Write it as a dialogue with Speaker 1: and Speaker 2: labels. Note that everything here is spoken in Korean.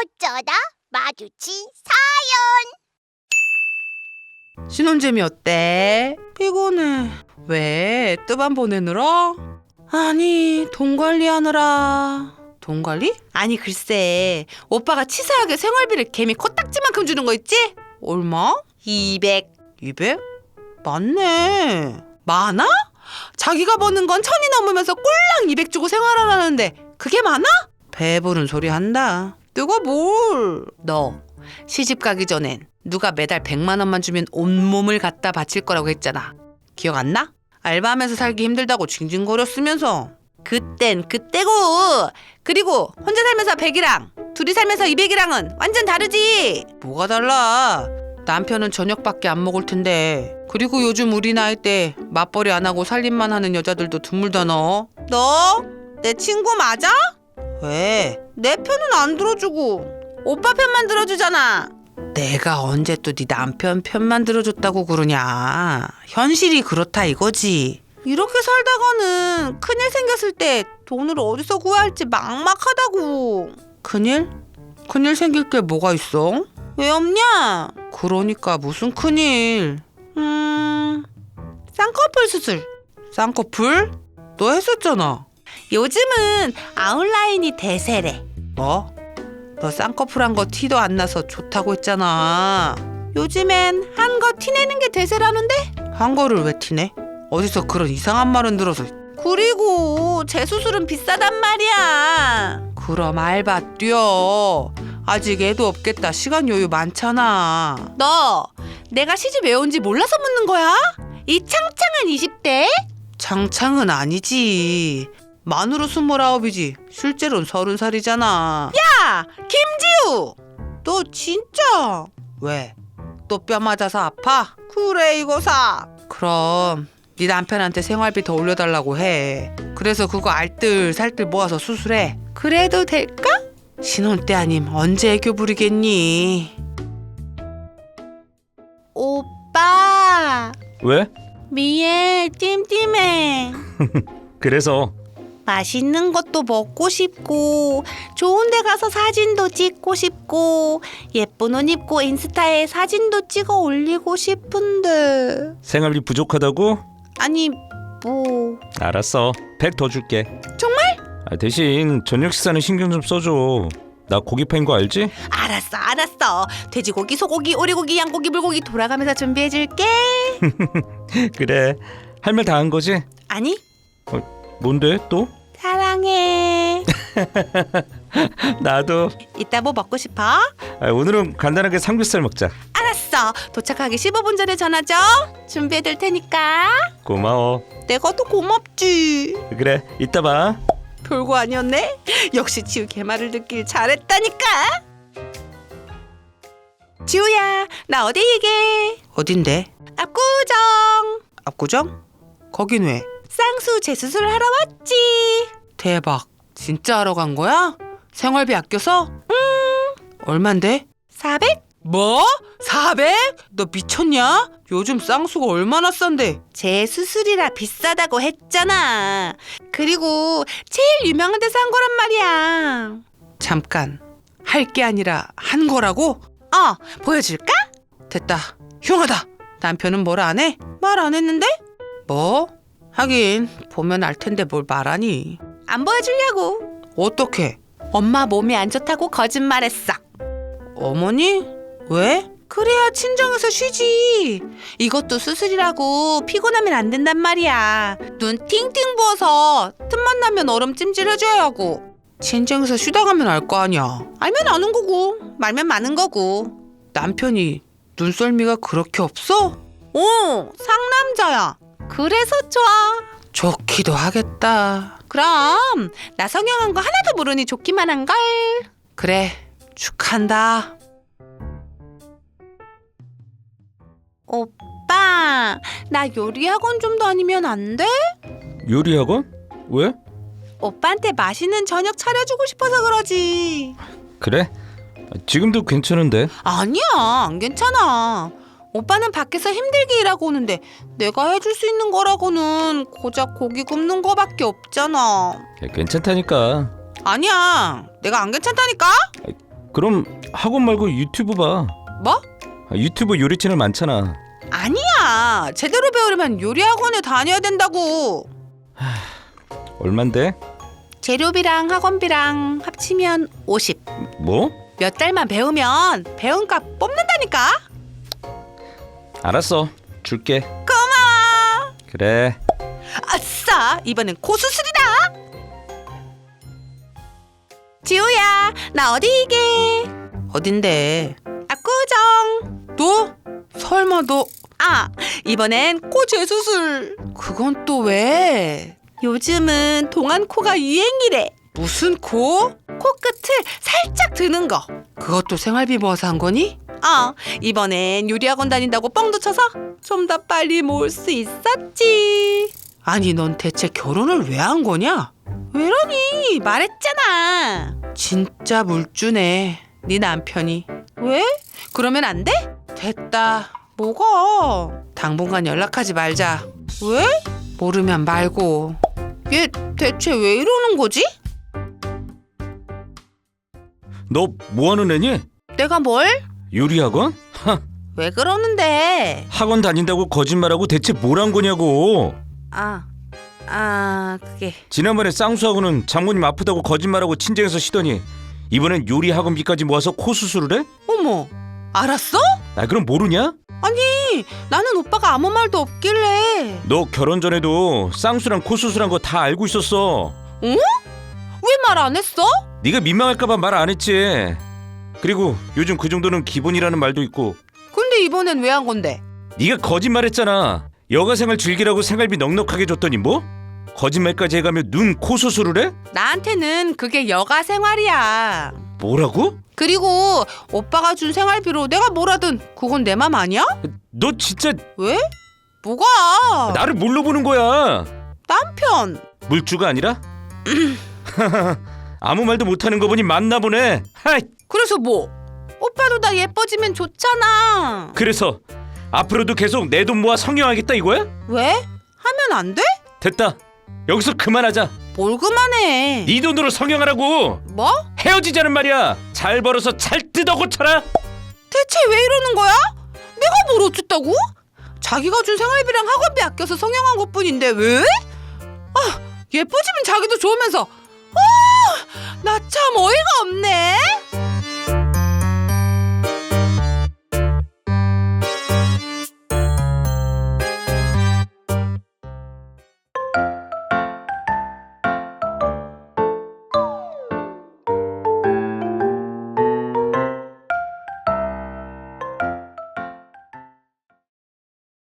Speaker 1: 어쩌다 마주친
Speaker 2: 신혼재미 어때? 피곤해. 왜? 뜨밤 보내느라? 아니, 돈 관리하느라. 돈 관리? 아니, 글쎄. 오빠가 치사하게 생활비를 개미 코딱지만큼 주는 거 있지? 얼마? 200. 200? 맞네. 많아? 자기가 버는 건 1000이 넘으면서 꼴랑 200 주고 생활하라는데 그게 많아? 배부른 소리 한다. 누가 뭘? 너 시집 가기 전엔 누가 매달 100만 원만 주면 온몸을 갖다 바칠 거라고 했잖아. 기억 안 나? 알바하면서 살기 힘들다고 징징거렸으면서. 그땐 그때고. 그리고 혼자 살면서 100이랑 둘이 살면서 200이랑은 완전 다르지. 뭐가 달라? 남편은 저녁밖에 안 먹을 텐데. 그리고 요즘 우리 나이 때 맞벌이 안 하고 살림만 하는 여자들도 드물다. 너 내 친구 맞아? 왜? 내 편은 안 들어주고 오빠 편만 들어주잖아. 내가 언제 또 네 남편 편만 들어줬다고 그러냐. 현실이 그렇다 이거지. 이렇게 살다가는 큰일 생겼을 때 돈을 어디서 구해야 할지 막막하다고. 큰일? 큰일 생길 게 뭐가 있어? 왜 없냐? 그러니까 무슨 큰일? 쌍꺼풀 수술. 쌍꺼풀? 너 했었잖아. 요즘은 아웃라인이 대세래. 뭐? 너 쌍꺼풀 한 거 티도 안 나서 좋다고 했잖아. 요즘엔 한 거 티내는 게 대세라는데? 한 거를 왜 티내? 어디서 그런 이상한 말은 들어서. 그리고 재수술은 비싸단 말이야. 그럼 알바 뛰어. 아직 애도 없겠다. 시간 여유 많잖아. 너 내가 시집 왜 온지 몰라서 묻는 거야? 이 창창한 20대? 창창은 아니지. 만으로 29이지 실제로는 30살이잖아. 야! 김지우! 너 진짜? 왜? 또 뼈 맞아서 아파? 그래 이거 사. 그럼 네 남편한테 생활비 더 올려달라고 해. 그래서 그거 알뜰살뜰 모아서 수술해. 그래도 될까? 신혼 때 아님 언제 애교 부리겠니? 오빠
Speaker 3: 왜?
Speaker 2: 미에 찜찜해.
Speaker 3: 그래서
Speaker 2: 맛있는 것도 먹고 싶고 좋은 데 가서 사진도 찍고 싶고 예쁜 옷 입고 인스타에 사진도 찍어 올리고 싶은데.
Speaker 3: 생활비 부족하다고?
Speaker 2: 아니 뭐.
Speaker 3: 알았어. 100 더 줄게.
Speaker 2: 정말?
Speaker 3: 대신 저녁 식사는 신경 좀 써줘. 나 고기 파인 거 알지?
Speaker 2: 알았어. 돼지고기, 소고기, 오리고기, 양고기, 물고기 돌아가면서 준비해줄게.
Speaker 3: 그래. 할 말 다 한 거지?
Speaker 2: 아니
Speaker 3: 뭔데 또?
Speaker 2: 사랑해.
Speaker 3: 나도.
Speaker 2: 이따 뭐 먹고 싶어?
Speaker 3: 오늘은 간단하게 삼겹살 먹자.
Speaker 2: 알았어. 도착하기 15분 전에 전화 줘. 준비해둘 테니까.
Speaker 3: 고마워.
Speaker 2: 내가 더 고맙지.
Speaker 3: 그래, 이따 봐.
Speaker 2: 별거 아니었네. 역시 지우 걔말을 듣길 잘했다니까. 지우야, 나 어디 얘기해? 어딘데? 압구정. 압구정? 거긴 왜? 쌍수 재수술 하러 왔지. 대박. 진짜 하러 간 거야? 생활비 아껴서? 얼만데? 400? 뭐? 400? 너 미쳤냐? 요즘 쌍수가 얼마나 싼데? 재수술이라 비싸다고 했잖아. 그리고 제일 유명한 데서 한 거란 말이야. 잠깐. 할 게 아니라 한 거라고? 보여줄까? 됐다. 흉하다. 남편은 뭘 안 해? 말 안 했는데? 뭐? 하긴 보면 알 텐데 뭘 말하니. 안 보여주려고. 어떻게? 엄마 몸이 안 좋다고 거짓말했어. 어머니? 왜? 그래야 친정에서 쉬지. 이것도 수술이라고 피곤하면 안 된단 말이야. 눈 팅팅 부어서 틈만 나면 얼음 찜질 해줘야 하고. 친정에서 쉬다 가면 알 거 아니야. 알면 아는 거고 말면 많은 거고. 남편이 눈썰미가 그렇게 없어? 상남자야. 그래서 좋아. 좋기도 하겠다. 그럼 나 성형한 거 하나도 모르니 좋기만 한걸. 그래, 축한다. 오빠, 나 요리학원 좀 다니면 안 돼?
Speaker 3: 요리학원? 왜?
Speaker 2: 오빠한테 맛있는 저녁 차려주고 싶어서 그러지.
Speaker 3: 그래? 지금도 괜찮은데.
Speaker 2: 아니야, 안 괜찮아. 오빠는 밖에서 힘들게 일하고 오는데 내가 해줄 수 있는 거라고는 고작 고기 굽는 거밖에 없잖아.
Speaker 3: 괜찮다니까.
Speaker 2: 아니야, 내가 안 괜찮다니까?
Speaker 3: 그럼 학원 말고 유튜브 봐.
Speaker 2: 뭐?
Speaker 3: 유튜브 요리 채널 많잖아.
Speaker 2: 아니야. 제대로 배우려면 요리학원에 다녀야 된다고.
Speaker 3: 얼만데?
Speaker 2: 재료비랑 학원비랑 합치면 50.
Speaker 3: 뭐?
Speaker 2: 몇 달만 배우면 배운 값 뽑는다니까.
Speaker 3: 알았어. 줄게.
Speaker 2: 고마워.
Speaker 3: 그래.
Speaker 2: 아싸, 이번엔 코수술이다. 지우야, 나 어디게? 어딘데? 압구정. 너? 설마 너? 아, 이번엔 코 재수술. 그건 또 왜? 요즘은 동안 코가 유행이래. 무슨 코? 코끝을 살짝 드는 거. 그것도 생활비 모아서 한 거니? 이번엔 요리학원 다닌다고 뻥도 쳐서 좀 더 빨리 모을 수 있었지. 아니, 넌 대체 결혼을 왜 한 거냐? 왜러니? 말했잖아. 진짜 물주네, 네 남편이. 왜? 그러면 안 돼? 됐다. 뭐가? 당분간 연락하지 말자. 왜? 모르면 말고. 얘 대체 왜 이러는 거지?
Speaker 3: 너 뭐하는 애니?
Speaker 2: 내가 뭘?
Speaker 3: 요리학원?
Speaker 2: 왜 그러는데?
Speaker 3: 학원 다닌다고 거짓말하고 대체 뭘 한 거냐고.
Speaker 2: 그게
Speaker 3: 지난번에 쌍수하고는 장모님 아프다고 거짓말하고 친정에서 쉬더니 이번엔 요리 학원비까지 모아서 코 수술을 해?
Speaker 2: 어머, 알았어?
Speaker 3: 나 그럼 모르냐?
Speaker 2: 아니, 나는 오빠가 아무 말도 없길래.
Speaker 3: 너 결혼 전에도 쌍수랑 코 수술한 거 다 알고 있었어.
Speaker 2: 왜 말 안 했어?
Speaker 3: 네가 민망할까봐 말 안 했지. 그리고 요즘 그 정도는 기본이라는 말도 있고.
Speaker 2: 근데 이번엔 왜 한 건데?
Speaker 3: 네가 거짓말했잖아. 여가생활 즐기라고 생활비 넉넉하게 줬더니 뭐? 거짓말까지 해가며 눈, 코 수술을 해?
Speaker 2: 나한테는 그게 여가 생활이야.
Speaker 3: 뭐라고?
Speaker 2: 그리고 오빠가 준 생활비로 내가 뭘 하든 그건 내 맘 아니야?
Speaker 3: 너 진짜
Speaker 2: 왜? 뭐가?
Speaker 3: 나를 뭘로 보는 거야?
Speaker 2: 남편.
Speaker 3: 물주가 아니라? 아무 말도 못하는 거 보니 맞나 보네. 하이.
Speaker 2: 그래서 뭐? 오빠도 나 예뻐지면 좋잖아.
Speaker 3: 그래서 앞으로도 계속 내 돈 모아 성형하겠다 이거야?
Speaker 2: 왜? 하면 안 돼?
Speaker 3: 됐다. 여기서 그만하자.
Speaker 2: 뭘 그만해.
Speaker 3: 네 돈으로 성형하라고.
Speaker 2: 뭐?
Speaker 3: 헤어지자는 말이야. 잘 벌어서 잘 뜯어 고쳐라.
Speaker 2: 대체 왜 이러는 거야? 내가 뭘 어쨌다고? 자기가 준 생활비랑 학원비 아껴서 성형한 것뿐인데 왜? 예뻐지면 자기도 좋으면서 나 참 어이가 없네.